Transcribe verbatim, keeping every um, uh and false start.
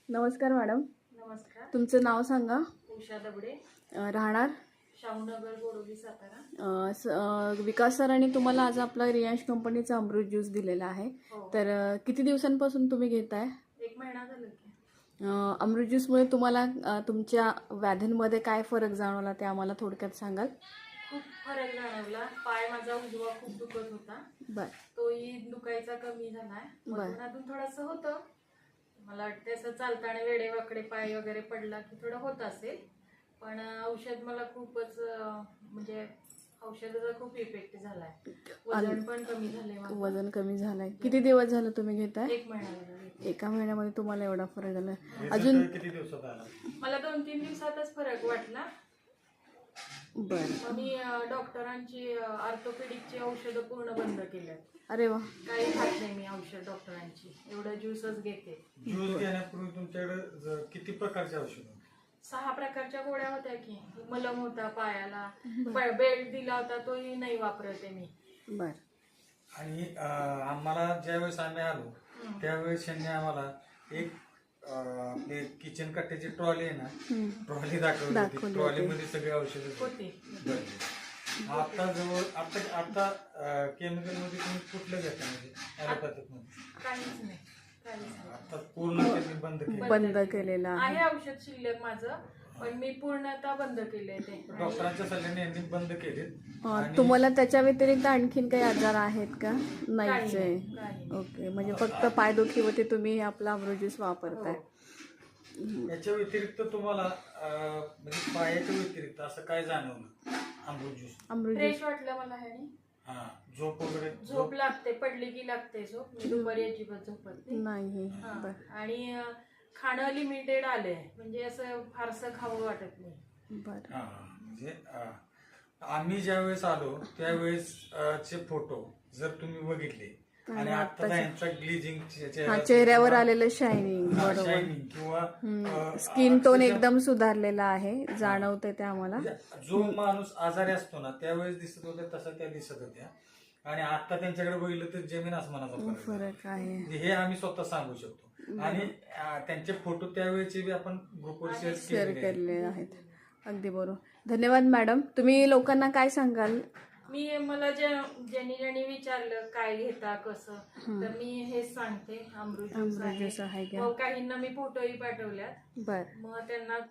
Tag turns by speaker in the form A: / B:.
A: नमस्कार मॅडम.
B: नमस्कार.
A: तुमचं नाव सांगा.
B: उषा दबडे,
A: अ, राहणार
B: शाहूनगर, गोरोली, सातारा.
A: अ, स- अ, विकास सरांनी तुम्हाला आज आपला रियांश कंपनीचा अमृत ज्यूस दिलेला आहे.
B: हो.
A: तर अ, किती दिवसांपासून तुम्ही घेताय?
B: एक महिना झाला की.
A: अ, अमृत ज्यूसमुळे तुम्हाला अ, तुमच्या व्याधींमध्ये काय फरक जाणवला ते आम्हाला थोडक्यात सांगाल?
B: खूप फरक जाणवला. पाय माझा उजवा खूप दुखत होता,
A: बर
B: तोही दुखायचा कमी झालाय.
A: बर.
B: मधून अजून थोडंसं होतं. मला वाटतं असं चालताना वेडेवाकडे पाय वगैरे पडला की थोडं होत असेल, पण अं, औषध मला खूपच अं, म्हणजे औषधाचा खूप इफेक्ट झालाय. वजन पण कमी झालंय माझं.
A: वजन कमी झालंय. किती दिवस झालं तुम्ही घेताय?
B: एक महिना झाला.
A: एका महिन्यामध्ये तुम्हाला एवढा फरक झाला?
C: Result
A: अजून
C: किती दिवसात आला?
B: मला दोन तीन दिवसातच फरक वाटला.
A: बर.
B: मग मी अं, डॉक्टरांची ऑर्थोपेडिकची औषधं पूर्ण बंद केल्यात.
A: अरे वा.
B: काही खात नाही मी औषध डॉक्टरांची, एवढं ज्यूसच घेते.
C: ज्यूस घेण्यापूर्वी तुमच्याकडे ज- किती प्रकारचे औषध होते?
B: सहा प्रकारच्या गोळ्या होत्या की. मलम होता पायाला, बेल्ट दिला होता तोही नाही वापरते मी.
A: बर.
C: आणि अं, आम्हाला ज्यावेळेस आम्ही आलो त्यावेळेस त्यांनी आम्हाला एक अं, आपले किचन कट्ट्याची ट्रॉली आहे ना, ट्रॉली दाखवली
A: दाखवली
C: होती.
A: होती.
C: ट्रॉलीमध्ये सगळे औषधं
B: होती.
C: भरली. आता जवळ आता आता केमिकल मध्ये तुम्ही कुठलं घेता म्हणजे ॲलोपॅथिक मध्ये?
B: काहीच नाही, काहीच नाही.
C: आता पूर्ण त्यांनी बंद केलं.
A: बंद केलेला आहे.
B: आहे औषध शिल्लक माझं, पण मी पूर्णतः बंद केलंय ते.
C: डॉक्टरांच्या सल्ल्याने यांनी बंद केले.
A: अ, तुम्हाला त्याच्या व्यतिरिक्त आणखीन काही आजार आहेत का? नाहीच आहे.
B: काही नाही.
A: ओके, म्हणजे फक्त पायदुखीवरती तुम्ही हे आपला अमृत ज्यूस वापरताय.
C: याच्या व्यतिरिक्त तुम्हाला अं, म्हणजे पायाच्या व्यतिरिक्त असं काय जाणवलं Amrit juice?
A: Amrit
B: fresh
A: juice
B: वाटलं मला ह्याने.
C: हा, झोप वगैरे
B: झोप लागते, पडली की लागते झोप. मी दुपारी अजिबात झोपत नाही.
A: नाही.
B: हा.
A: बर.
B: आणि अं, खाणं लिमिटेड आलंय, म्हणजे असं फारसं खावं वाटत नाही.
A: बर.
C: हा, म्हणजे अं, आम्ही ज्यावेळेस आलो त्यावेळेस अं, चे फोटो जर तुम्ही बघितले आणि आता यांचा ग्लिजिंग
A: हा, चेहऱ्यावर आलेलं शायनिंग. बरोबर.
C: शायनिंग किंवा अं,
A: स्किन टोन
C: अक्षरशः
A: एकदम सुधारलेला आहे, जाणवते ते आम्हाला.
C: म्हणजे जो माणूस आजारी असतो ना त्यावेळेस दिसत होत्या तसं त्या दिसत होत्या, आणि आता त्यांच्याकडे बघितलं तर जमीन आसमानाचा फरक आहे.
A: फरक आहे.
C: म्हणजे हे आम्ही स्वतः सांगू शकतो. आणि अं, त्यांचे फोटो त्यावेळेचे बी आपण ग्रुपवर शेअर
A: शेअर
C: केलेले आहेत.
A: केलेले आहेत. अगदी बरोबर. धन्यवाद मॅडम. तुम्ही लोकांना काय सांगाल?
B: मी मला जे ज्यांनी ज्यांनी विचारलं काय घेता कसं, तर मी हेच सांगते, अमृत ज्यूस
A: अमृत ज्यूस आहे
B: आहे.
A: घ्या.
B: मग काहींना मी फोटोही पाठवल्यात,
A: बर.
B: मग त्यांना